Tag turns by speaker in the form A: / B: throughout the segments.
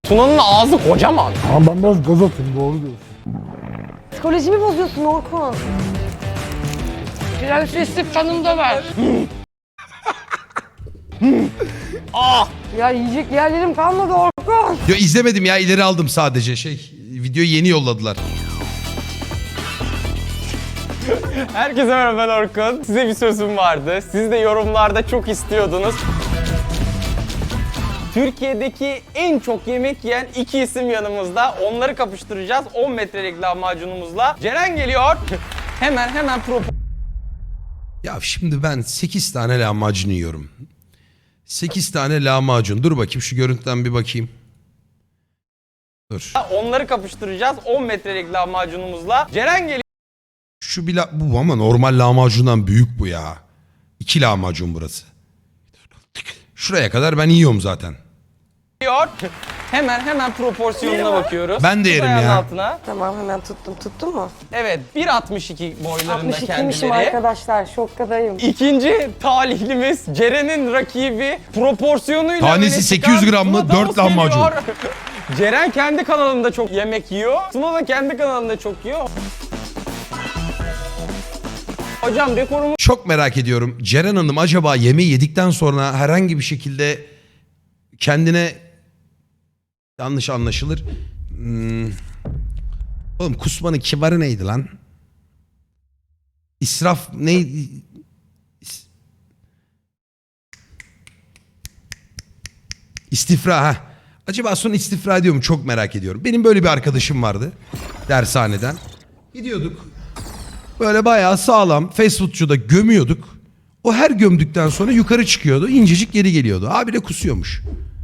A: Tuna'nın ağzı kocaman.
B: Ama ben biraz gaz atayım, doğru diyorsun.
C: Psikolojimi bozuyorsun Orkun.
A: Prenseslik kanımda ver.
C: Ya yiyecek yerlerim kalmadı Orkun.
D: Yo izlemedim ya, ileri aldım sadece videoyu yeni yolladılar.
A: Herkese merhaba, ben Orkun. Size bir sözüm vardı. Siz de yorumlarda çok istiyordunuz. Türkiye'deki en çok yemek yiyen iki isim yanımızda. Onları kapıştıracağız 10 metrelik lahmacunumuzla. Ceren geliyor. hemen
D: Ya şimdi ben 8 tane lahmacun yiyorum. 8 tane lahmacun. Dur bakayım şu görüntüden bir bakayım. Dur.
A: onları kapıştıracağız 10 metrelik lahmacunumuzla. Ceren geliyor.
D: Şu bir bu ama normal lahmacundan büyük bu ya. 2 lahmacun burası. Şuraya kadar ben yiyorum zaten.
A: Hemen proporsiyonuna bakıyoruz.
D: Ben de yerim
A: Tut ayağının
D: ya.
A: altına.
C: Tamam hemen tuttum. Tuttun mu?
A: Evet, 1.62 boylarında
C: 62'mişim
A: kendileri.
C: arkadaşlar. Şokkadayım.
A: İkinci talihlimiz Ceren'in rakibi proporsiyonuyla
D: Tanesi
A: öne
D: 800
A: çıkan
D: gram mı?
A: Tuna Tavus
D: 4 lahmacun.
A: geliyor. Ceren kendi kanalında çok yemek yiyor. Tuna da kendi kanalında çok yiyor. Hocam rekorumu
D: Çok merak ediyorum. Ceren Hanım acaba yemeği yedikten sonra herhangi bir şekilde kendine yanlış anlaşılır. Oğlum kusmanın kibarı neydi lan? İsraf neydi? İstifra ha. Acaba sonra istifra ediyor mu? Çok merak ediyorum. Benim böyle bir arkadaşım vardı dershaneden. Gidiyorduk. Böyle bayağı sağlam fast foodçuda gömüyorduk. O her gömdükten sonra yukarı çıkıyordu. İncecik geri geliyordu. Abi de kusuyormuş.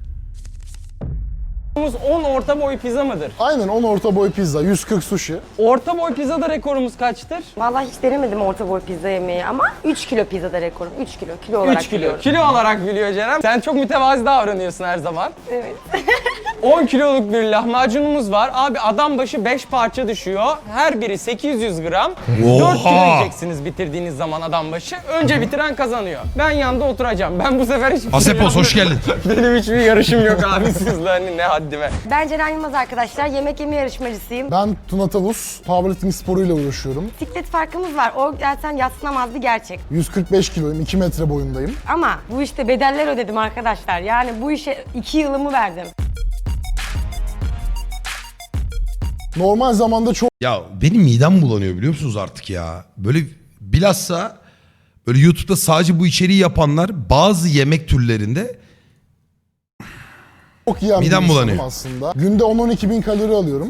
A: 10 orta boy pizza mıdır?
B: Aynen 10 orta boy pizza, 140 sushi.
A: Orta boy pizzada rekorumuz kaçtır?
C: Vallahi hiç denemedim orta boy pizza yemeği ama 3 kilo pizzada rekorum. 3 kilo olarak
A: 3 kilo.
C: biliyorum.
A: Kilo olarak biliyor Ceren. Sen çok mütevazi davranıyorsun her zaman.
C: Evet.
A: 10 kiloluk bir lahmacunumuz var. Abi adam başı 5 parça düşüyor. Her biri 800 gram. 4 kilo yiyeceksiniz bitirdiğiniz zaman adam başı. Önce bitiren kazanıyor. Ben yanında oturacağım. Ben bu sefer hiçbir
D: Asepos hoş geldin.
A: Benim hiçbir yarışım yok abi sizle hani ne haddime.
C: Ben Ceren Yılmaz arkadaşlar. Yemek yeme yarışmacısıyım.
B: Ben Tuna Tavus, powerlifting sporuyla uğraşıyorum.
C: Bisiklet farkımız var. O zaten yadsınamaz bir gerçek.
B: 145 kiloyum, 2 metre boyundayım.
C: Ama bu işte bedeller ödedim arkadaşlar. Yani bu işe 2 yılımı verdim.
B: Normal zamanda çok
D: Ya benim midem bulanıyor biliyor musunuz artık ya. Böyle bilhassa böyle YouTube'da sadece bu içeriği yapanlar bazı yemek türlerinde
B: yiyen bir
D: midem
B: insanım
D: bulanıyor.
B: aslında. Günde 10-12 bin kalori alıyorum.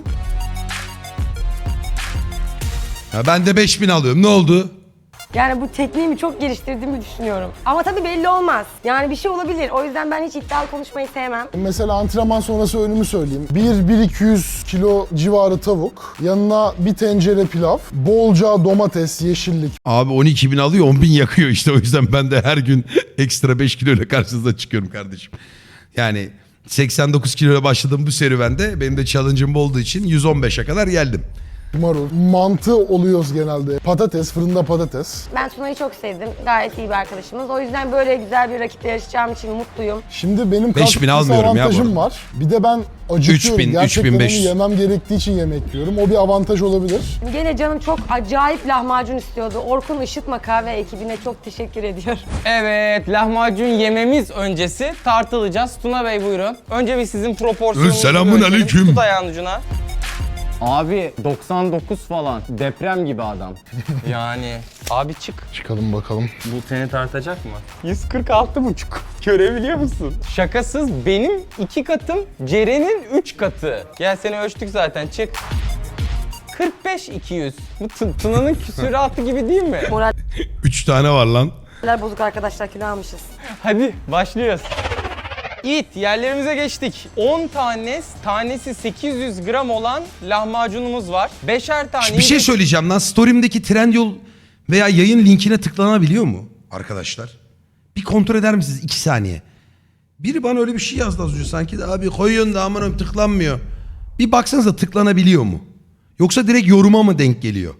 D: ya ben de 5000 alıyorum. Ne oldu?
C: Yani bu tekniğimi çok geliştirdiğimi düşünüyorum. Ama tabii belli olmaz. Yani bir şey olabilir. O yüzden ben hiç iddialı konuşmayı sevmem.
B: Mesela antrenman sonrası öğünümü söyleyeyim. 1-200 kilo civarı tavuk, yanına bir tencere pilav, bolca domates, yeşillik.
D: Abi 12.000 alıyor 10.000 yakıyor işte, o yüzden ben de her gün ekstra 5 kiloyla karşınıza çıkıyorum kardeşim. Yani 89 kiloyla başladığım bu serüvende benim de challenge'ım olduğu için 115'e kadar geldim.
B: Marul, mantı oluyoruz genelde. Patates, fırında patates.
C: Ben Tuna'yı çok sevdim. Gayet iyi bir arkadaşımız. O yüzden böyle güzel bir rakiple yarışacağım için mutluyum.
B: Şimdi benim
D: 5000
B: kas kütlesi
D: almıyorum ya bu
B: avantajım
D: arada.
B: var. Bir de ben acıkıyorum.
D: 3000,
B: Gerçekten
D: 3500.
B: onu yemem gerektiği için yemek yiyorum. O bir avantaj olabilir.
C: Gene canım çok acayip lahmacun istiyordu. Orkun Işıtma Kahve ekibine çok teşekkür ediyorum.
A: Evet, lahmacun yememiz öncesi tartılacağız. Tuna Bey buyurun. Önce bir sizin proporsiyonunuzu
D: Selamun
A: ölçelim.
D: aleyküm.
A: Tut ayağın ucuna. Abi 99 falan. Deprem gibi adam. Yani abi çık.
B: Çıkalım bakalım.
A: Bu seni tartacak mı? 146,5. Görebiliyor musun? Şakasız benim 2 katım, Ceren'in 3 katı. Gel seni ölçtük zaten çık. 45-200. Bu Tuna'nın küsuratı gibi değil mi?
D: 3 tane var lan.
C: Moraller bozuk arkadaşlar, kilo almışız.
A: Hadi başlıyoruz. İt yerlerimize geçtik. 10 tanesi 800 gram olan lahmacunumuz var. 5'er tane.
D: Bir şey söyleyeceğim lan. Story'imdeki Trendyol veya yayın linkine tıklanabiliyor mu arkadaşlar? Bir kontrol eder misiniz 2 saniye? Biri bana öyle bir şey yazdı az önce sanki de abi koyuyorsun da aman tıklanmıyor. Bir baksanıza tıklanabiliyor mu? Yoksa direkt yoruma mı denk geliyor?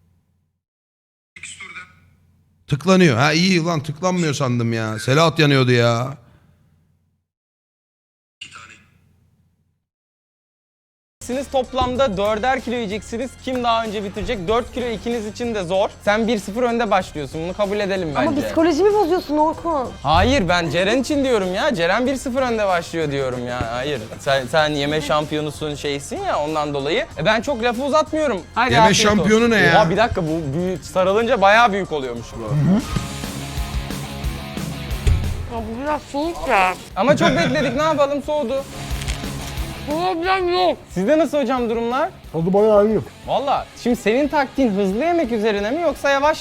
D: Tıklanıyor. Ha iyi lan, tıklanmıyor sandım ya. Selahat yanıyordu ya.
A: yiyeceksiniz. Toplamda 4'er kilo yiyeceksiniz. Kim daha önce bitirecek? 4 kilo ikiniz için de zor. Sen 1-0 önde başlıyorsun. Bunu kabul edelim bence.
C: Ama psikolojimi bozuyorsun Orkun.
A: Hayır, ben Ceren için diyorum ya. Ceren 1-0 önde başlıyor diyorum ya. Hayır. Sen yeme şampiyonusun şeysin ya, ondan dolayı. Ben çok lafı uzatmıyorum. Haydi
D: Yeme
A: afiyet olsun.
D: şampiyonu ne ya?
A: Oha, bir dakika, bu büyük sarılınca bayağı büyük oluyormuş bu.
C: Ya bu biraz soğuk ya.
A: Ama çok bekledik, ne yapalım, soğudu.
C: Problem yok.
A: Sizde nasıl hocam durumlar?
B: Tadı bayağı iyi.
A: Valla şimdi senin taktiğin hızlı yemek üzerine mi yoksa yavaş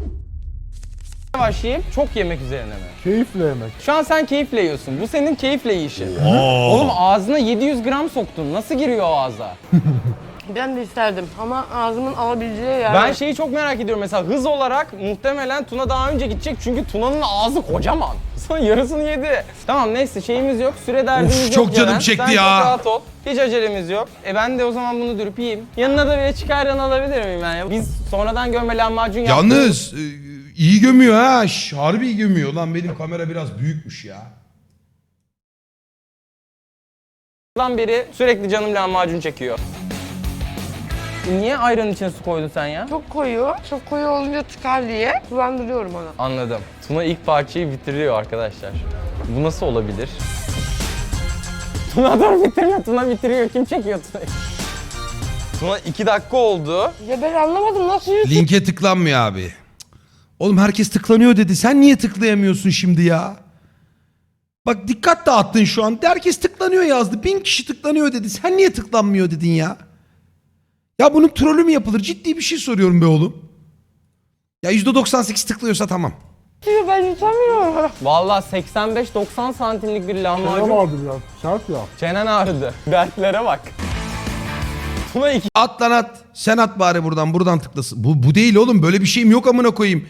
A: yavaş yiyip çok yemek üzerine mi?
B: Keyifle yemek.
A: Şu an sen keyifle yiyorsun. Bu senin keyifle yiyişin. Oğlum ağzına 700 gram soktun. Nasıl giriyor o ağza?
C: Ben de isterdim ama ağzımın alabileceği yer.
A: Ben şeyi çok merak ediyorum. Mesela hız olarak muhtemelen Tuna daha önce gidecek. Çünkü Tuna'nın ağzı kocaman. Sonra yarısını yedi. Tamam, neyse, şeyimiz yok. Süre derdimiz yok.
D: çok canım
A: Ceren.
D: çekti
A: Sen
D: ya.
A: çok rahat ol. Hiç acelemiz yok. Ben de o zaman bunu dürüp yiyeyim. Yanına da bir çıkardan alabilir miyim ben ya? Biz sonradan gömme lahmacun yaptık.
D: Yalnız iyi gömüyor ha. Harbi iyi gömüyor. Lan benim kamera biraz büyükmüş ya.
A: Lan beri sürekli canım lahmacun çekiyor. Niye ayranın içine su koydun sen ya?
C: Çok koyu. Çok koyu olunca tıkar diye kullandırıyorum onu.
A: Anladım. Tuna ilk parçayı bitiriyor arkadaşlar. Bu nasıl olabilir? Tuna dur, bitirme. Tuna bitiriyor. Kim çekiyor Tuna'yı? Tuna 2 dakika oldu.
C: Ya ben anlamadım nasıl yürütüyor?
D: Linke tıklanmıyor abi. Cık. Oğlum herkes tıklanıyor dedi. Sen niye tıklayamıyorsun şimdi ya? Bak dikkat dağıttın şu an. Herkes tıklanıyor yazdı. 1000 kişi tıklanıyor dedi. Sen niye tıklanmıyor dedin ya? Ya bunun trolü mü yapılır? Ciddi bir şey soruyorum be oğlum. Ya %98 tıklıyorsa tamam.
C: Ben yutamıyorum.
A: Vallahi 85-90 santimlik bir
B: Ne
A: lahmacun.
B: vardı biraz? Sert ya.
A: Çenen ağrıdı. Dertlere bak. Tuna 2
D: At lan at. Sen at bari buradan. Buradan tıklasın. Bu değil oğlum. Böyle bir şeyim yok amına koyayım.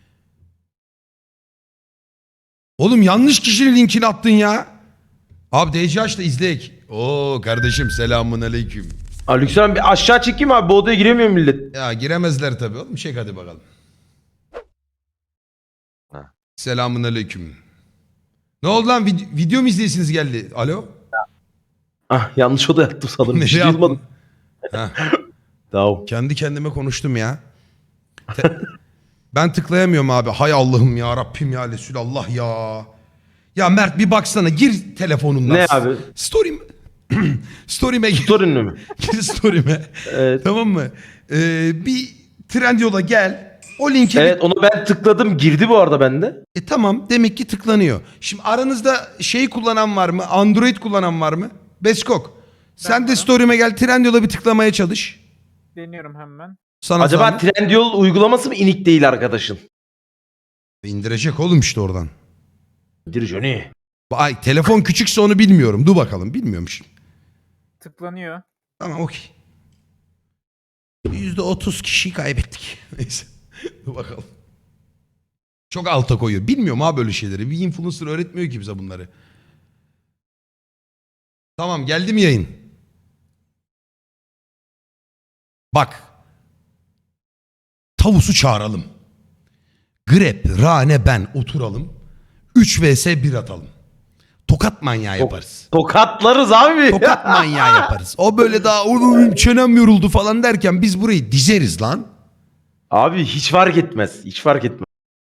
D: Oğlum yanlış kişinin linkini attın ya. Abi DCH'da izleyek. Oo kardeşim selamun aleyküm.
E: Lütfen bir aşağı çekeyim abi. Bu odaya giremiyor millet.
D: Ya giremezler tabii oğlum. Çek hadi bakalım.
E: Ha.
D: Selamun aleyküm. Ne oldu lan? Video mu izleyesiniz geldi? Alo?
E: Yanlış oda yattım sanırım. Bir şey
D: Nereye
E: duymadım.
D: Ha,
E: Tamam.
D: kendi kendime konuştum ya. Ben tıklayamıyorum abi. Hay Allah'ım ya Rabbim ya Resulallah ya. Ya Mert bir baksana. Gir telefonundan.
E: Ne abi?
D: Story'me gir.
E: Sorun mu?
D: Gir story'me.
E: Evet.
D: Tamam mı? Bir Trendyol'a gel. O linki
E: Evet onu ben tıkladım. Girdi bu arada bende.
D: Tamam demek ki tıklanıyor. Şimdi aranızda şey kullanan var mı? Android kullanan var mı? Beskok. Sen de story'me gel. Trendyol'a bir tıklamaya çalış.
F: Deniyorum hemen.
D: Sana
E: Acaba
D: zahmet.
E: Trendyol uygulaması mı inik değil arkadaşın?
D: İndirecek oğlum işte oradan.
E: Dir Johnny.
D: Ay telefon küçükse onu bilmiyorum. Dur bakalım. Bilmiyorum şimdi.
F: Tıklanıyor.
D: Tamam okey. %30 kişiyi kaybettik. Neyse. Dur bakalım. Çok alta koyuyor. Bilmiyorum ha böyle şeyleri. Bir influencer öğretmiyor ki bize bunları. Tamam geldi mi yayın? Bak. Tavusu çağıralım. Grep, Rane, ben oturalım. 3 vs 1 atalım. Tokat manyağı yaparız.
E: Tokatlarız abi.
D: Tokat manyağı yaparız. O böyle daha "Oğlum, çenem yoruldu falan derken biz burayı dizeriz lan.
E: Abi hiç fark etmez. Hiç fark etmez.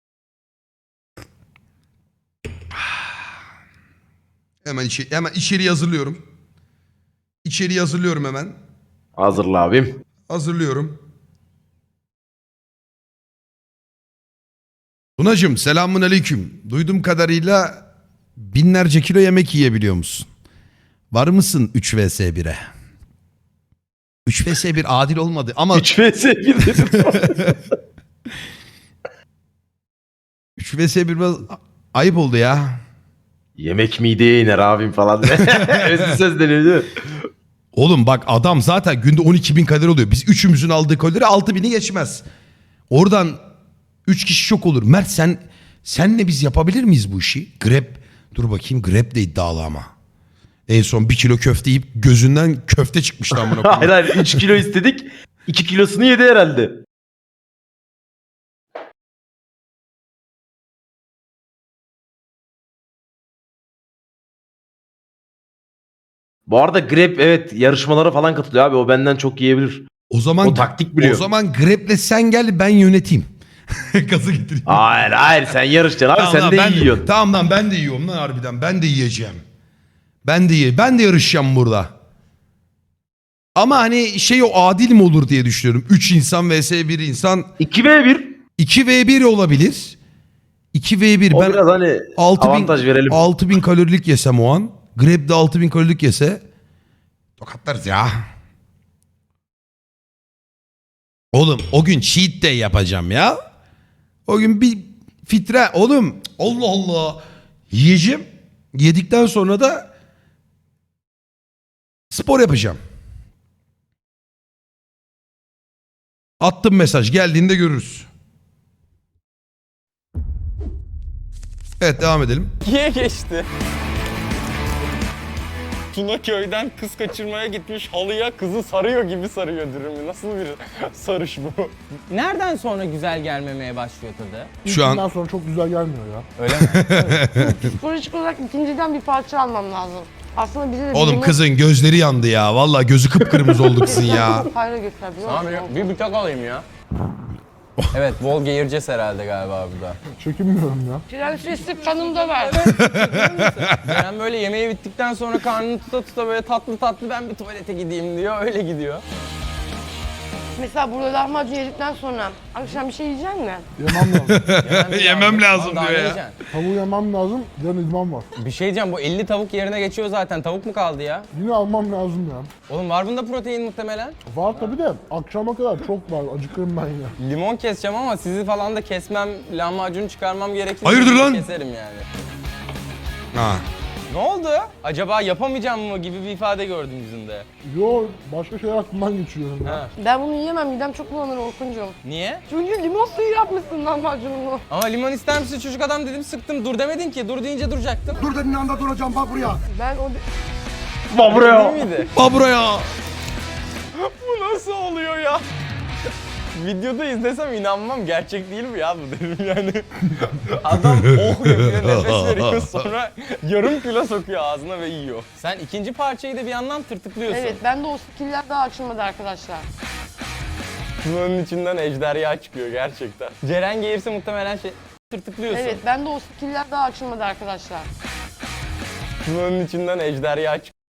D: Hemen içeriği hazırlıyorum. İçeriği hazırlıyorum hemen.
E: Hazırla abim.
D: Hazırlıyorum. Tunacığım selamun aleyküm. Duyduğum kadarıyla binlerce kilo yemek yiyebiliyor musun? Var mısın 3 vs 1'e? 3 vs 1 adil olmadı ama
E: 3 vs 1 dedim.
D: 3 vs 1 biraz ayıp oldu ya.
E: Yemek mideye iner abim falan. Özlü söz deniyor değil mi?
D: Oğlum bak adam zaten günde 12.000 kalori oluyor. Biz üçümüzün aldığı kalori 6.000'i geçmez. Oradan 3 kişi çok olur. Mert senle biz yapabilir miyiz bu işi? Grab dur bakayım Grab de iddialı ama. En son 1 kilo köfte yiyip gözünden köfte çıkmıştı amına koyayım.
E: Hayır hayır 3 kilo istedik. 2 kilosunu yedi herhalde. Bu arada Grab evet yarışmalara falan katılıyor abi. O benden çok yiyebilir.
D: O zaman
E: O taktik biliyor.
D: O zaman Grab'le sen gel ben yöneteyim. Gazı getireyim.
E: Hayır sen yarışacaksın abi, sen
D: lan,
E: de
D: ben
E: yiyorsun.
D: Tamam lan ben de yiyorum lan harbiden. Ben de yiyeceğim. Ben de yarışacağım burada. Ama hani şey o adil mi olur diye düşünüyorum. 3 insan vs 1 insan
E: 2v1.
D: 2v1 olabilir. 2v1
E: O
D: ben
E: biraz hani
D: 6000
E: avantaj verelim.
D: 6000 kalorilik yesem o an. Grab de 6000 kalorilik yese tokatlarız ya. Oğlum o gün cheat day yapacağım ya. O gün bir fitre oğlum Allah Allah yiyeceğim. Yedikten sonra da spor yapacağım. Attım mesaj geldiğinde görürüz. Evet devam edelim.
A: 2'ye geçti. Tuna köyden kız kaçırmaya gitmiş, halıya kızı sarıyor gibi sarıyor dürümü. Nasıl bir sarış bu? Nereden sonra güzel gelmemeye başlıyor tadı?
D: Şu an
B: İlkinden sonra çok güzel gelmiyor ya.
A: Öyle mi?
C: Psikolojik olarak ikinciden bir parça almam lazım. Aslında bize de
D: oğlum kızın gözleri yandı ya. Vallahi gözü kıpkırmızı oldu kızın ya.
C: Hayra götür biliyor
A: Tamam
C: musun?
A: bir bıçak alayım ya. Evet, Volga Yirces herhalde galiba burada.
B: Çekinmiyorum ya.
C: Prenseslik kanımda var.
A: Ceren böyle yemeği bittikten sonra karnını tuta tuta böyle tatlı tatlı ben bir tuvalete gideyim diyor, öyle gidiyor.
C: Mesela burada lahmacun yedikten sonra akşam bir şey yiyecek misin?
B: Yemem lazım.
D: Yemem lazım
A: Daha
D: diyor
A: ne
D: ya.
A: yiyeceksin?
B: Tavuğu yemem lazım. Yarın idman var.
A: Bir şey diyeceğim, bu 50 tavuk yerine geçiyor zaten. Tavuk mu kaldı ya?
B: Yine almam lazım ya.
A: Oğlum var bunda protein muhtemelen.
B: Var tabii de akşama kadar çok var. Acıkırım ben ya.
A: Limon keseceğim ama sizi falan da kesmem, lahmacunu çıkarmam gerekirse
D: Hayırdır lan?
A: keserim yani.
D: Ha.
A: Ne oldu? Acaba yapamayacağım mı gibi bir ifade gördüm yüzünde.
B: Yo başka şeyler aklımdan geçiyorum ya.
A: Ha.
C: Ben bunu yiyemem. Midem çok bulanır Orkuncuğum.
A: Niye?
C: Çünkü limon suyu yapmışsın lahmacununu.
A: Ama limon ister misin çocuk adam dedim sıktım. Dur demedin ki. Dur deyince duracaktım.
G: Dur dediğin anda duracağım bak buraya.
C: Ben o...
E: Bak buraya.
A: Değil miydi?
D: Aa buraya.
A: Bu nasıl oluyor ya? Videoda izlesem inanmam. Gerçek değil mi ya bu derim yani. Adam oh yapıyor, nefes veriyor sonra yarım kilo sokuyor ağzına ve yiyor. Sen ikinci parçayı da bir yandan tırtıklıyorsun.
C: Evet, ben de o skiller daha açılmadı arkadaşlar.
A: Bunun içinden ejderha çıkıyor gerçekten. Ceren gelirse muhtemelen şey tırtıklıyorsun.
C: Evet, ben de o skiller daha açılmadı arkadaşlar.
A: Bunun içinden ejderha çıkıyor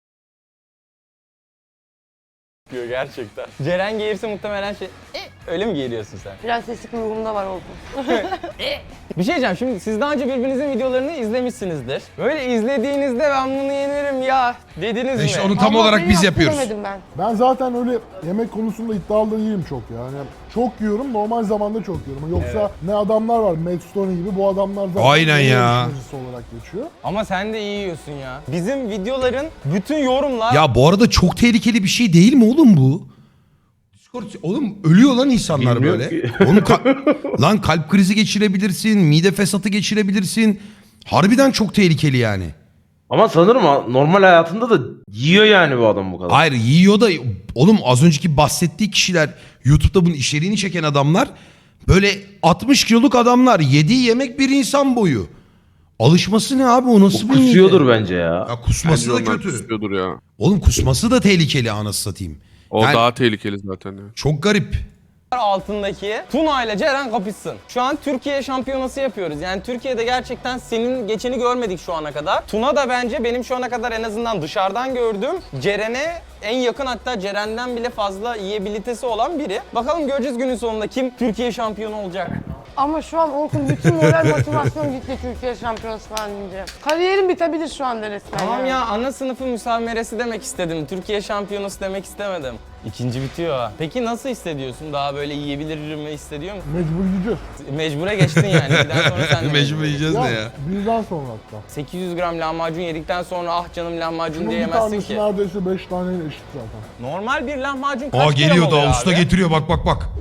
A: gerçekten. Ceren gelirse muhtemelen şey öyle mi geliyorsun sen?
C: Prenseslik ruhumda var Orkun.
A: Bir şey diyeceğim, şimdi siz daha önce birbirinizin videolarını izlemişsinizdir. Böyle izlediğinizde ben bunu yenerim ya dediniz
D: İşte
A: mi?
D: onu tam
C: Ama
D: olarak
C: beni
D: biz yapıyoruz.
C: yaptıramadım ben.
B: Ben zaten öyle yemek konusunda iddialı değilim çok yani. Çok yiyorum, normal zamanda çok yiyorum. Yoksa ne adamlar var, Matt Stone gibi bu adamlar zaten
D: Aynen
B: yemek
D: ya.
B: yarışmacısı olarak geçiyor.
A: Ama sen de iyi yiyorsun ya. Bizim videoların bütün yorumlar...
D: Ya bu arada çok tehlikeli bir şey değil mi oğlum bu? Discord, oğlum ölüyor lan insanlar
E: Bilmiyorum
D: böyle.
E: ki.
D: Oğlum lan kalp krizi geçirebilirsin, mide fesatı geçirebilirsin. Harbiden çok tehlikeli yani.
E: Ama sanırım normal hayatında da yiyor yani bu adam bu kadar.
D: Hayır yiyor da oğlum az önceki bahsettiği kişiler YouTube'da bunun içeriğini çeken adamlar böyle 60 kiloluk adamlar yediği yemek bir insan boyu. Alışması ne abi o nasıl
E: O
D: bir mide?
E: kusuyordur bence ya.
D: Ya kusması
H: Bence
D: da
H: onlar
D: kötü.
H: kusuyordur ya.
D: Oğlum kusması da tehlikeli anasını satayım.
H: O
D: Yani-
H: daha tehlikeli zaten ya.
D: Çok garip.
A: altındaki Tuna ile Ceren kapışsın. Şu an Türkiye şampiyonası yapıyoruz. Yani Türkiye'de gerçekten senin geçeni görmedik şu ana kadar. Tuna da bence benim şu ana kadar en azından dışarıdan gördüğüm Ceren'e en yakın, hatta Ceren'den bile fazla yiyebilitesi olan biri. Bakalım göreceğiz günün sonunda kim Türkiye şampiyonu olacak.
C: Ama şu an Orkun bütün moral motivasyon gitti Türkiye şampiyonası falan deyince. Kariyerim bitebilir şu anda resmen.
A: Tamam
C: yani.
A: ya, ana sınıfı müsameresi demek istedim. Türkiye şampiyonası demek istemedim. İkinci bitiyor ha. Peki nasıl hissediyorsun? Daha böyle yiyebilir mi hissediyor musun?
B: Mecbur yiyeceğiz.
A: Mecbure geçtin yani. Birden sonra sen de
D: Mecbur yiyeceğiz
B: Ya,
D: ne ya?
B: birden sonra hatta.
A: 800 gram lahmacun yedikten sonra ah canım lahmacun
B: Bunun bir
A: diyemezsin
B: tanesi
A: ki.
B: neredeyse 5 taneyle eşit zaten.
A: Normal bir lahmacun kaç
D: Aa
A: gram
D: geliyor
A: oluyor
D: da usta
A: abi?
D: getiriyor bak bak bak.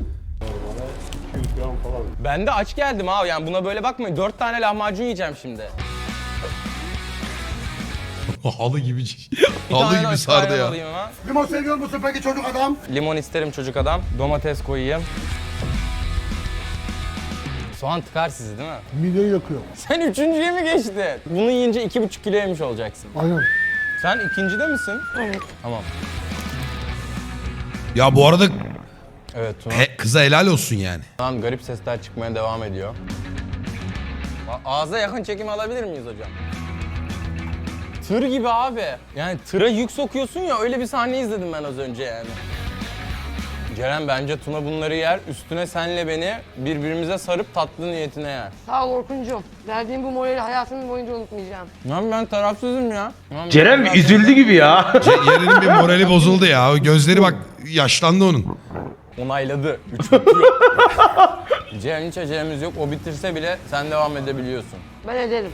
A: Ben de aç geldim abi, yani buna böyle bakmayın. 4 tane lahmacun yiyeceğim şimdi.
D: Halı gibi
A: Bir
D: halı
A: tane
D: gibi
A: de
D: sardı
A: ayran
D: ya.
A: alayım hemen.
G: Limon seviyor musun peki çocuk adam?
A: Limon isterim çocuk adam. Domates koyayım. Soğan tıkar sizi değil mi?
B: Mideyi yakıyor.
A: Sen üçüncüye mi geçtin? Bunu yiyince 2,5 kilo yemiş olacaksın.
B: Aynen.
A: Sen ikincide misin?
C: Evet.
A: Tamam.
D: Ya bu arada
A: Evet Tuna.
D: kıza helal olsun yani.
A: Lan garip sesler çıkmaya devam ediyor. Ağza yakın çekim alabilir miyiz hocam? Tır gibi abi. Yani tıra yük sokuyorsun ya, öyle bir sahne izledim ben az önce yani. Ceren bence Tuna bunları yer, üstüne senle beni birbirimize sarıp tatlı niyetine yer.
C: Sağ ol Orkuncuğum. Verdiğin bu morali hayatım boyunca unutmayacağım.
A: Lan ben tarafsızım ya. Lan
E: Ceren
A: ben-
E: bir üzüldü gibi ya.
D: Yeren'in bir morali bozuldu ya. O gözleri bak yaşlandı onun.
A: Onayladı. 3 bitiyor. Ceren hiç acelemiz yok. O bitirse bile sen devam edebiliyorsun.
C: Ben ederim.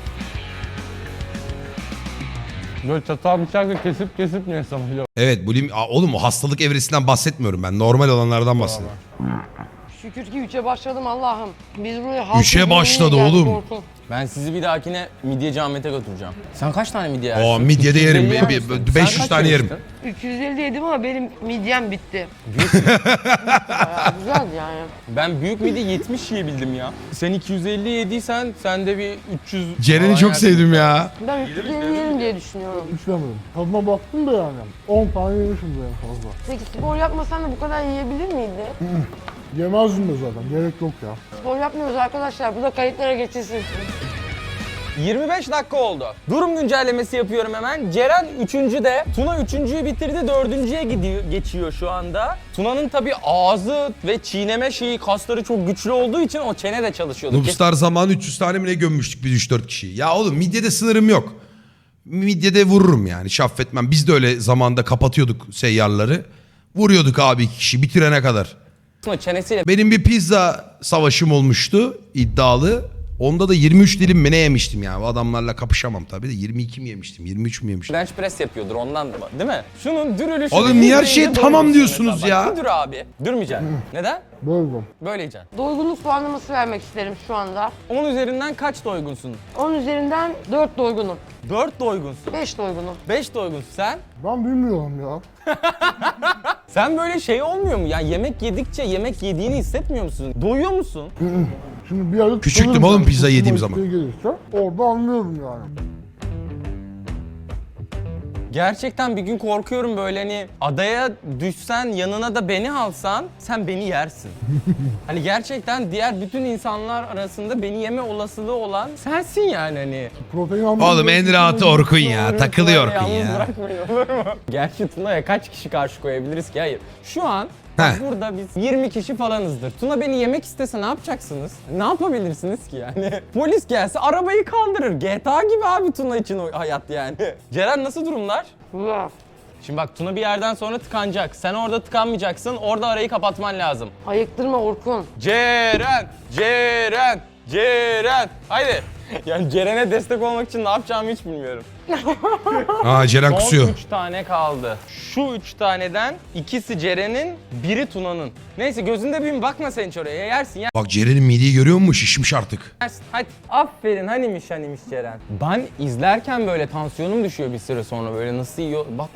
A: Böyle çatal bıçakla kesip ne sanıyor?
D: Evet oğlum o hastalık evresinden bahsetmiyorum ben. Normal olanlardan bahsediyorum.
C: Şükür ki 3'e başladım Allah'ım. Biz buraya
D: Üçe başladı oğlum.
A: Ben sizi bir dahakine midyeci Ahmet'e götüreceğim. Sen kaç tane midye yersin?
D: Oo, midye de yerim.
A: 350 yer misin? Sen
D: 500
A: kaç
D: tane yerim.
A: yemiştin?
C: 350 yedim ama benim midyem bitti. Bayağı güzeldi yani.
A: Ben büyük midye 70 yiyebildim ya. Sen 250 yediysen sen de bir 300...
D: Ceren'i
A: falan
D: çok
A: yersin.
D: sevdim ya.
C: Ben 350 yerim diye düşünüyorum.
B: İçlemedim. Tadına baktım da yani. 10 tane yemişim en fazla.
C: Peki spor yapmasan da bu kadar yiyebilir miydi?
B: Yemezdim de zaten. Gerek yok ya.
C: Spor yapmıyoruz arkadaşlar. Bu da kayıtlara geçilsin.
A: 25 dakika oldu. Durum güncellemesi yapıyorum hemen. Ceren 3. Tuna 3.'yü bitirdi, 4.'ye geçiyor şu anda. Tuna'nın tabii ağzı ve çiğneme kasları çok güçlü olduğu için o çene de çalışıyordu.
D: Noobstar zamanı 300 tane mi ne gömmüştük biz 3-4 kişiyi. Ya oğlum midyede sınırım yok. Midyede vururum yani şaffetmem. Biz de öyle zamanda kapatıyorduk seyyarları. Vuruyorduk abi 2 kişi bitirene kadar.
A: Tuna çenesiyle
D: Benim bir pizza savaşım olmuştu iddialı. Onda da 23 dilim mi ne yemiştim ya. O adamlarla kapışamam tabii de 22 mi yemiştim 23 mü yemiştim.
A: bench press yapıyordur ondan da, değil mi? Şunun dürülüşü...
D: Oğlum niye her şeye tamam diyorsunuz ya?
A: Bak, dur abi. Durmayacaksın. Neden?
B: Böyleydim.
A: Böyle yiyeceksin.
C: Doygunluk puanlaması vermek isterim şu anda.
A: 10 üzerinden kaç doygunsun?
C: 10 üzerinden 4 doygunum.
A: 4 doygunsun.
C: 5 doygunum.
A: 5 doygunsun. Sen?
B: Ben bilmiyorum ya.
A: Sen böyle şey olmuyor mu? Ya yemek yedikçe yemek yediğini hissetmiyor musun? Doyuyor musun?
B: Şimdi bir yerde
D: Küçüktüm
B: tıkanırım
D: oğlum
B: yani.
D: pizza yediğim
B: Kusma
D: zaman.
B: isteği gelirse orada anlıyorum yani.
A: Gerçekten bir gün korkuyorum böyle hani adaya düşsen yanına da beni alsan sen beni yersin. Hani gerçekten diğer bütün insanlar arasında beni yeme olasılığı olan sensin yani hani.
B: Protein almak
D: Oğlum en rahatı Orkun ya. Takılıyor Orkun
A: Yalnız
D: ya.
A: bırakmayın olur mu? Gerçi Tuna'ya kaç kişi karşı koyabiliriz ki? Hayır. Şu an bak
D: Heh.
A: burada biz 20 kişi falanızdır. Tuna beni yemek istese ne yapacaksınız? Ne yapabilirsiniz ki yani? Polis gelse arabayı kaldırır. GTA gibi abi Tuna için o hayat yani. Ceren nasıl durumlar?
C: Güzel.
A: Şimdi bak Tuna bir yerden sonra tıkanacak. Sen orada tıkanmayacaksın. Orada arayı kapatman lazım.
C: Ayıktırma Orkun.
A: Ceren! Ceren! Ceren! Haydi. Yani Ceren'e destek olmak için ne yapacağımı hiç bilmiyorum.
D: Aa Ceren
A: Son
D: kusuyor.
A: 3 tane kaldı. Şu 3 taneden ikisi Ceren'in, biri Tuna'nın. Neyse gözünde büyüm bakma sen hiç oraya. Yersin
D: Bak Ceren'in mideyi görüyor musun? Şişmiş artık.
A: yersin. Hadi. Aferin hanimiş Ceren. Ben izlerken böyle tansiyonum düşüyor bir süre sonra böyle nasıl yiyor. Bak.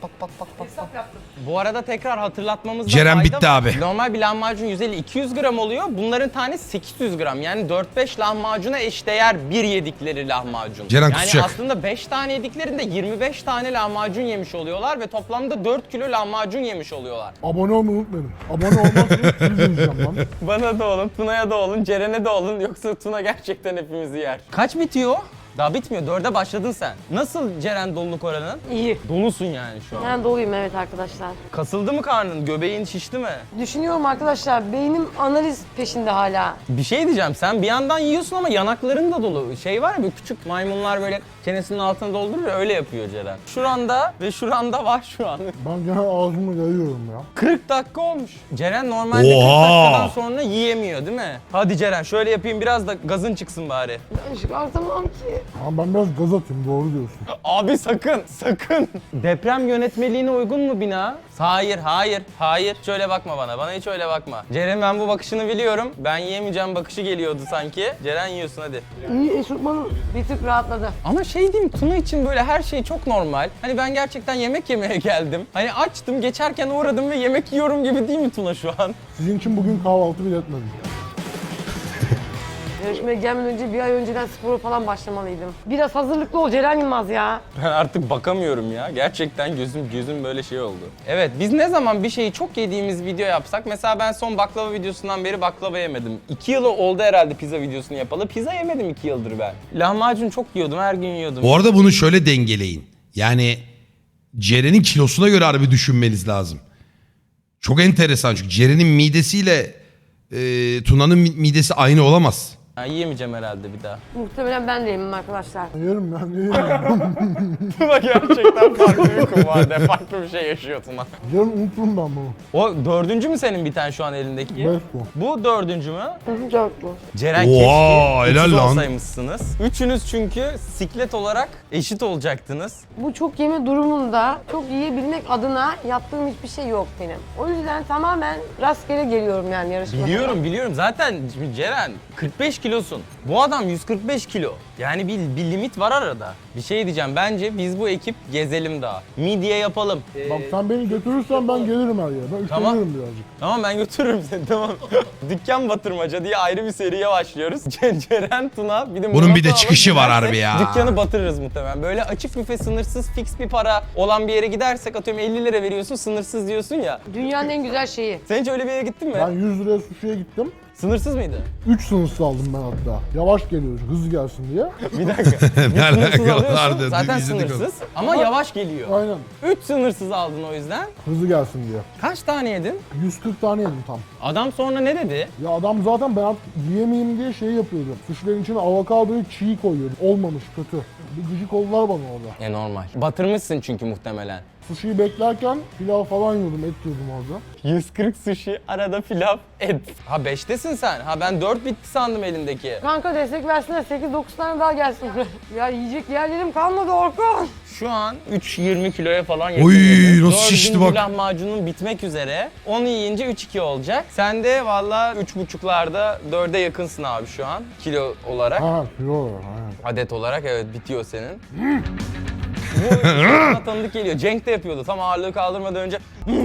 A: Bu arada tekrar hatırlatmamızda
D: Ceren
A: fayda
D: bitti
A: var.
D: abi.
A: Normal bir lahmacun 150-200 gram oluyor. Bunların tanesi 800 gram. Yani 4-5 lahmacuna eşdeğer bir yedikleri lahmacun.
D: Ceren
A: yani
D: kusacak.
A: aslında 5 tane yediklerinde 25 tane lahmacun yemiş oluyorlar ve toplamda 4 kilo lahmacun yemiş oluyorlar.
B: Abone olmayı unutmayın. Abone olmazsanız siz izleyeceğim lan.
A: Bana da olun, Tuna'ya da olun, Ceren'e de olun yoksa Tuna gerçekten hepimizi yer. Kaç bitiyor? Daha bitmiyor. 4'e başladın sen. Nasıl Ceren doluluk oranın?
C: İyi.
A: Dolusun yani şu an.
C: Ben doluyum evet arkadaşlar.
A: Kasıldı mı karnın? Göbeğin şişti mi?
C: Düşünüyorum arkadaşlar. Beynim analiz peşinde hala.
A: Bir şey diyeceğim. Sen bir yandan yiyorsun ama yanakların da dolu. Şey var ya böyle küçük maymunlar böyle çenesinin altına doldurur ya, öyle yapıyor Ceren. Şuranda ve şuranda var şu an.
B: Ben gene ağzımı yayıyorum ya.
A: 40 dakika olmuş. Ceren normalde
D: Oha!
A: 40 dakikadan sonra yiyemiyor değil mi? Hadi Ceren şöyle yapayım biraz da gazın çıksın bari.
C: Ben çıkartamam ki.
B: Ama ben biraz gaz atayım doğru diyorsun.
A: Abi sakın. Deprem yönetmeliğine uygun mu bina? Hayır. Şöyle bakma bana. Bana hiç öyle bakma. Ceren ben bu bakışını biliyorum. Ben yiyemeyeceğim bakışı geliyordu sanki. Ceren yiyorsun hadi.
C: İyi eşofmanım bir tık rahatladı.
A: Ama şey diyeyim Tuna için böyle her şey çok normal. Hani ben gerçekten yemek yemeye geldim. Hani açtım geçerken uğradım ve yemek yiyorum gibi değil mi Tuna şu an?
B: Sizin için bugün kahvaltı bile etmedim.
C: Yarışmaya gelmeden önce bir ay önceden spora falan başlamalıydım. Biraz hazırlıklı ol Ceren Yılmaz ya.
A: Ben artık bakamıyorum ya. Gerçekten gözüm böyle şey oldu. Evet, biz ne zaman bir şeyi çok yediğimiz video yapsak, mesela ben son baklava videosundan beri baklava yemedim. 2 yıl oldu herhalde pizza videosunu yapalı. Pizza yemedim 2 yıldır ben. Lahmacun çok yiyordum, her gün yiyordum.
D: Bu arada bunu şöyle dengeleyin. Yani Ceren'in kilosuna göre harbi düşünmeniz lazım. Çok enteresan çünkü Ceren'in midesiyle Tuna'nın midesi aynı olamaz.
A: Ha, yiyemeyeceğim herhalde bir daha.
C: Muhtemelen ben de yemem arkadaşlar.
B: Yerim ben, yerim.
A: Tuna gerçekten farklı bir kumbarda, farklı bir şey yaşıyor Tuna.
B: Yarın unuturum ben bunu.
A: O dördüncü mü senin bir tane şu an elindeki?
B: Beş bu.
A: Bu dördüncü mü?
C: Dört bu.
A: Ceren
D: Oha,
A: keşke
D: helal
A: 30
D: lan.
A: olsaymışsınız. Üçünüz çünkü siklet olarak eşit olacaktınız.
C: Bu çok yeme durumunda çok yiyebilmek adına yaptığım hiçbir şey yok benim. O yüzden tamamen rastgele geliyorum yani yarışmaya.
A: Biliyorum. Zaten şimdi Ceren 45 kilosun. Bu adam 145 kilo. Yani bir limit var arada. Bir şey diyeceğim. Bence biz bu ekip gezelim daha. Midye yapalım.
B: Bak sen beni götürürsen ben gelirim her yere. Ben
A: Tamam.
B: üşenirim birazcık.
A: Tamam ben götürürüm seni tamam. Dükkan batırmaca diye ayrı bir seriye başlıyoruz. Ceren, Tuna bir de
D: Bunun bir de
A: Murat
D: çıkışı
A: Ağabey
D: var
A: gidersek
D: harbi ya.
A: Dükkanı batırırız muhtemelen. Böyle açık büfe sınırsız fix bir para olan bir yere gidersek atıyorum 50 lira veriyorsun sınırsız diyorsun ya.
C: Dünyanın en güzel şeyi.
A: Sen hiç öyle bir yere gittin mi?
B: Ben 100 liraya sushi'ye gittim.
A: Sınırsız mıydı?
B: 3 sınırsız aldım ben hatta. Yavaş geliyor, hızlı gelsin diye.
A: Bir dakika.
D: Ne
A: Sınırsız
D: alakalar
A: alıyorsun
D: dedi,
A: zaten
D: izledik
A: sınırsız ama yavaş geliyor.
B: Aynen.
A: 3 sınırsız aldın o yüzden.
B: Hızlı gelsin diye.
A: Kaç tane yedin?
B: 140 tane yedim tam.
A: Adam sonra ne dedi?
B: Ya adam zaten ben artık yiyemeyeyim diye şey yapıyordu. Sushi'lerin içine avokadoyu çiğ koyuyordu. Olmamış, kötü. Bir gıcık oldular bana orada.
A: Normal. Batırmışsın çünkü muhtemelen.
B: Sushi'yi beklerken pilav falan yiyordum, et yiyordum orada.
A: 140 sushi, arada pilav, et. Ha 5'tesin sen. Ha ben 4 bitti sandım elindeki.
C: Kanka destek versinler 8-9 tane daha gelsin buraya. Ya yiyecek yerlerim kalmadı Orkun.
A: Şu an 3-20 kiloya falan
D: Oy,
A: yakın.
D: nasıl şişti
A: Dördüncü
D: bak.
A: lahmacunun bitmek üzere. Onu yiyince 3-2 olacak. Sen de valla 3,5'larda 4'e yakınsın abi şu an. Kilo olarak.
B: Ha, kilo var, aynen.
A: Adet olarak evet bitiyor senin. Bu bana tanıdık geliyor. Cenk de yapıyordu. Tam ağırlığı kaldırmadan önce.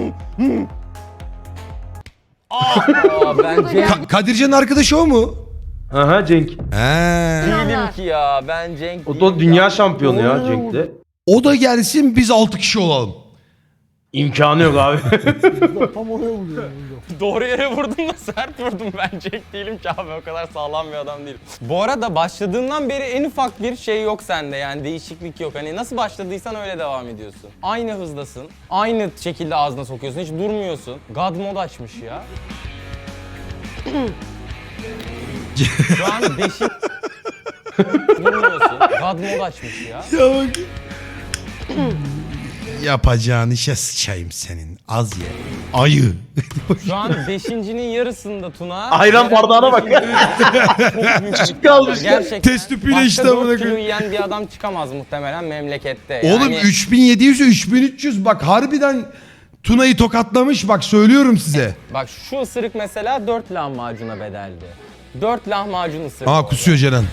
A: Ben Cenk
D: Kadircan'ın arkadaşı o mu?
E: Aha Cenk.
D: He.
A: değilim ki ya. Ben Cenk
E: O
A: değilim
E: da dünya
A: ya.
E: şampiyonu ya Cenk'te.
D: O da gelsin biz 6 kişi olalım.
E: İmkanı yok abi.
B: Tam oraya vuruyorum.
A: Doğru yere vurdum da sert vurdum. Ben Cenk değilim ki abi. O kadar sağlam bir adam değilim. Bu arada başladığından beri en ufak bir şey yok sende. Yani değişiklik yok. Hani nasıl başladıysan öyle devam ediyorsun. Aynı hızdasın. Aynı şekilde ağzına sokuyorsun. Hiç durmuyorsun. God mod açmış ya. Şu an beşik... Durmuyorsun. God mod açmış ya.
D: Ya bak. Yapacağın işe sıçayım senin. Az ye. Ayı.
A: Şu an beşincinin yarısında Tuna.
E: Ayran bardağına bak.
A: Çok büyük
E: Küçük kalmış.
A: Gerçekten.
D: Test tüpüyle
A: başka
D: işte
A: 4
D: amına
A: kilo
D: koyayım.
A: yiyen bir adam çıkamaz muhtemelen memlekette.
D: Oğlum
A: Yani
D: 3700'e 3300 bak harbiden Tuna'yı tokatlamış bak söylüyorum size.
A: bak şu ısırık mesela 4 lahmacuna bedeldi. 4 lahmacun ısırık.
D: Aa kusuyor Ceren.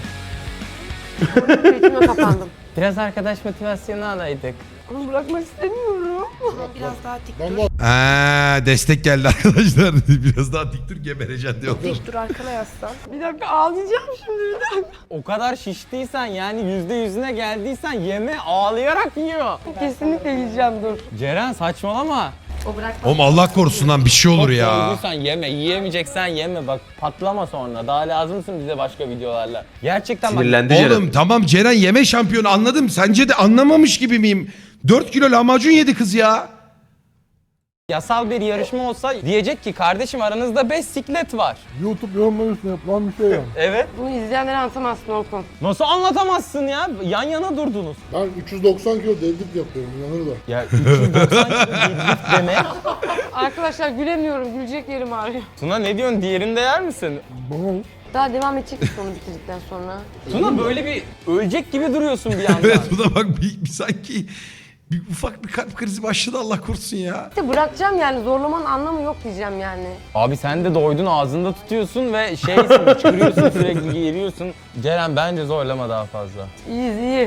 C: İçime kapandım.
A: Biraz arkadaş motivasyonu alaydık.
C: Onu bırakmak istemiyorum.
H: Biraz daha dik
B: Ben
H: dur.
D: Aa, destek geldi arkadaşlar. Biraz daha dik dur gebereceksin diyor.
H: Dik dur arkana yaslan.
C: Bir dakika ağlayacağım şimdi bir dakika.
A: O kadar şiştiysen yani %100'üne geldiysen yeme ağlayarak yiyor.
C: Kesinlikle yiyeceğim dur.
A: Ceren saçmalama.
H: O bırak.
D: Oğlum Allah korusun lan bir şey olur
A: Çok
D: ya.
A: doyduysan yeme, yiyemeyeceksen yeme bak patlama sonra. Daha lazımsın bize başka videolarla. Gerçekten bak
E: Sinirlendi Ceren.
D: Oğlum tamam Ceren yeme şampiyonu anladım. Sence de anlamamış gibi miyim? 4 kilo lahmacun yedi kız ya.
A: yasal bir yarışma olsa diyecek ki kardeşim aranızda 5 siklet var.
B: YouTube yorumları üstüne yapılan bir şey yani.
A: Evet.
C: Bunu izleyenlere anlatamazsın Orkun.
A: Nasıl anlatamazsın ya? Yan yana durdunuz.
B: Ben 390 kilo deadlift yapıyorum, inanır da.
A: Ya 290 kilo deadlift demek.
C: Arkadaşlar gülemiyorum, gülecek yerim ağrıyor.
A: Tuna ne diyorsun? Diğerinde yer misin?
B: Bana
C: Daha devam edecek misin onu bitirdikten sonra?
A: Tuna böyle bir ölecek gibi duruyorsun bir yandan.
D: Evet bu da bak bir sanki bir ufak bir kalp krizi başladı Allah korusun ya.
C: İşte bırakacağım yani zorlamanın anlamı yok diyeceğim yani.
A: Abi sen de doydun ağzında tutuyorsun ve şeysin çıkırıyorsun sürekli geliyorsun. Ceren bence zorlama daha fazla.
C: İyiyiz iyi.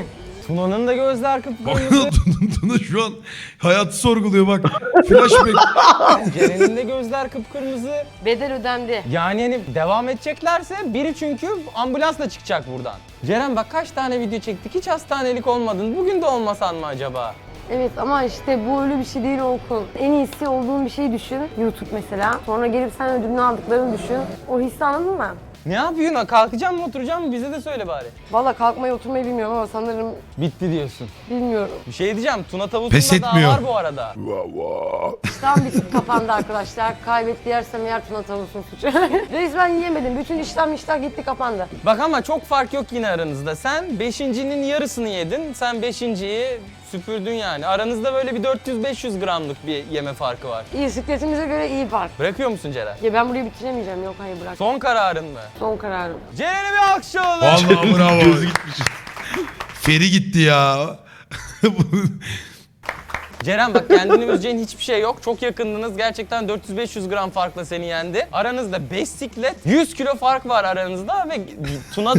A: Tuna'nın da gözler kıpkırmızı.
D: Bak Tuna şu an hayatı sorguluyor bak. Flashback.
A: Ceren'in de gözler kıpkırmızı.
C: Bedel ödendi.
A: Yani hani devam edeceklerse biri çünkü ambulansla çıkacak buradan. Ceren bak kaç tane video çektik, hiç hastanelik olmadın. Bugün de olmasan mı acaba?
C: Evet ama işte bu öyle bir şey değil Orkun. En iyisi olduğun bir şey düşün. YouTube mesela. Sonra gelip sen ödülünü aldıklarını düşün. O hissi anladın mı?
A: Ne yapıyorsun? Kalkacağım mı oturacağım mı? Bize de söyle bari.
C: Valla kalkmayı oturmayı bilmiyorum ama sanırım
A: Bitti diyorsun.
C: bilmiyorum.
A: Bir şey diyeceğim. Tuna
D: Pes
A: tavusunda daha
D: etmiyor.
A: var bu arada.
C: İştahım bitip kapandı arkadaşlar. Kaybetti yersem yer Tuna tavusun suçu. Resmen yiyemedim. Bütün iştah gitti kapandı.
A: Bak ama çok fark yok yine aranızda. Sen 5.'nin yarısını yedin. Sen 5.'yi süpürdün yani. Aranızda böyle bir 400-500 gramlık bir yeme farkı var.
C: İyi sikletimize göre iyi fark.
A: Bırakıyor musun Ceren?
C: Ya ben burayı bitiremeyeceğim. Yok hayır bırak.
A: Son kararın mı?
C: Son kararım.
A: Ceren'e bir alkış alalım.
D: Vallahi bravo. Feri gitti ya.
A: Ceren bak kendini üzeceğin hiçbir şey yok. Çok yakındınız. Gerçekten 400-500 gram farkla seni yendi. Aranızda 5 siklet, 100 kilo fark var aranızda ve Tuna da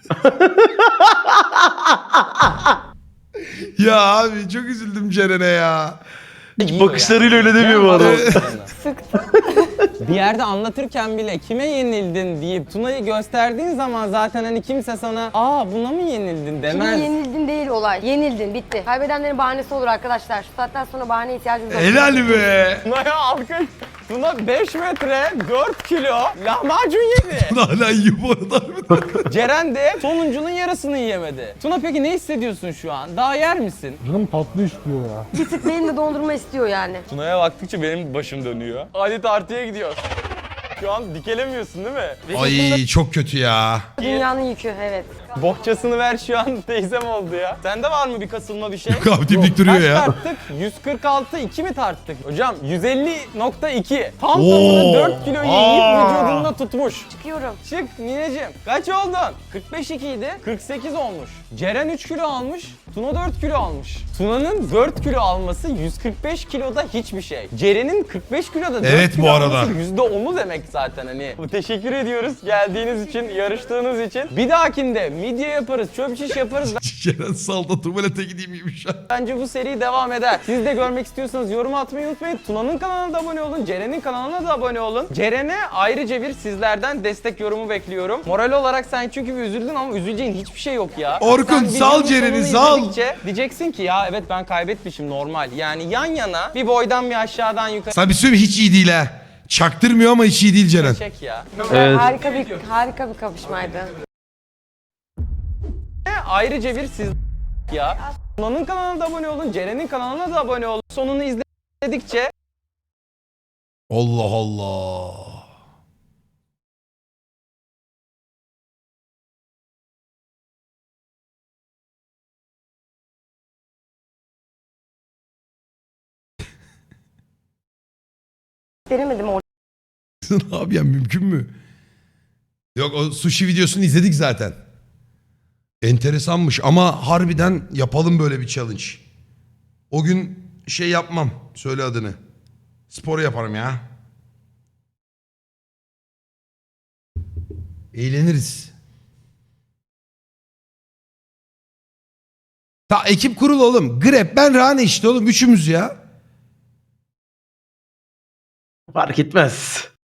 D: Ya abi çok üzüldüm Ceren'e ya.
E: Bakışlarıyla öyle demiyor bu adam.
A: Bir yerde anlatırken bile kime yenildin deyip Tuna'yı gösterdiğin zaman zaten hani kimse sana buna mı yenildin
C: Şimdi
A: demez.
C: yenildin değil olay. Yenildin bitti. Kaybedenlerin bahanesi olur arkadaşlar. Şu saatten sonra bahane ihtiyacımız yok.
D: Helal be.
A: Tuna'ya alkış. Tuna 5 metre 4 kilo lahmacun yedi.
D: Tuna hala yiyor bu arada.
A: Ceren de sonuncunun yarısını yiyemedi. Tuna peki ne hissediyorsun şu an? Daha yer misin?
B: Canım tatlı istiyor ya.
C: Bir tık benim de dondurma istiyor yani.
A: Tuna'ya baktıkça benim başım dönüyor. Hadi tartıya gidiyor. Şu an dikelemiyorsun değil mi?
D: Ay çok kötü ya.
C: Dünyanın yükü evet.
A: Bohçasını ver şu an teyzem oldu ya. Sende var mı bir kasılma bir şey?
D: Yok abi dimdik duruyor
A: Kaç
D: ya.
A: tarttık? 146, 2 mi tarttık? Hocam 150.2. Tam
D: Oo.
A: tamına 4 kilo yiyip
D: Aa.
A: vücudunda tutmuş.
C: Çıkıyorum.
A: Çık nineciğim. Kaç oldun? 45.2 idi. 48 olmuş. Ceren 3 kilo almış. Tuna 4 kilo almış. Tuna'nın 4 kilo alması 145 kiloda hiçbir şey. Ceren'in 45 kiloda 4
D: Evet,
A: kilo
D: bu arada.
A: alması %10'u demek zaten hani. Teşekkür ediyoruz geldiğiniz için, yarıştığınız için. Bir dahakinde midye yaparız, çöp şiş yaparız.
D: Ceren salda tuvalete gideyim miymiş ya.
A: Bence bu seri devam eder. Siz de görmek istiyorsanız yorum atmayı unutmayın. Tuna'nın kanalına da abone olun. Ceren'in kanalına da abone olun. Ceren'e ayrıca bir sizlerden destek yorumu bekliyorum. Moral olarak sen çünkü bir üzüldün ama üzüleceğin hiçbir şey yok ya.
D: Orkun,
A: Sen
D: sal
A: videonun
D: Ceren'i,
A: sonunu
D: sal.
A: izledikçe Diyeceksin ki ya evet ben kaybetmişim normal. Yani yan yana bir boydan bir aşağıdan yukarı
D: Sana bir söyleyeyim hiç iyi değil ha. Çaktırmıyor ama hiç iyi değil Ceren.
A: çek ya.
E: Evet.
C: Harika bir kapışmaydı.
A: Ayrıca bir siz ya. Tuna'nın kanalına da abone olun. Ceren'in kanalına da abone olun. Sonunu izledikçe
D: Allah Allah.
C: Denemedim orada.
D: Abi ya mümkün mü? Yok o sushi videosunu izledik zaten. Enteresanmış ama harbiden yapalım böyle bir challenge. O gün şey yapmam. Söyle adını. Spor yaparım ya. Eğleniriz. Ta ekip kurul oğlum. Grep ben Rane işte oğlum. Üçümüz ya.
E: Fark etmez.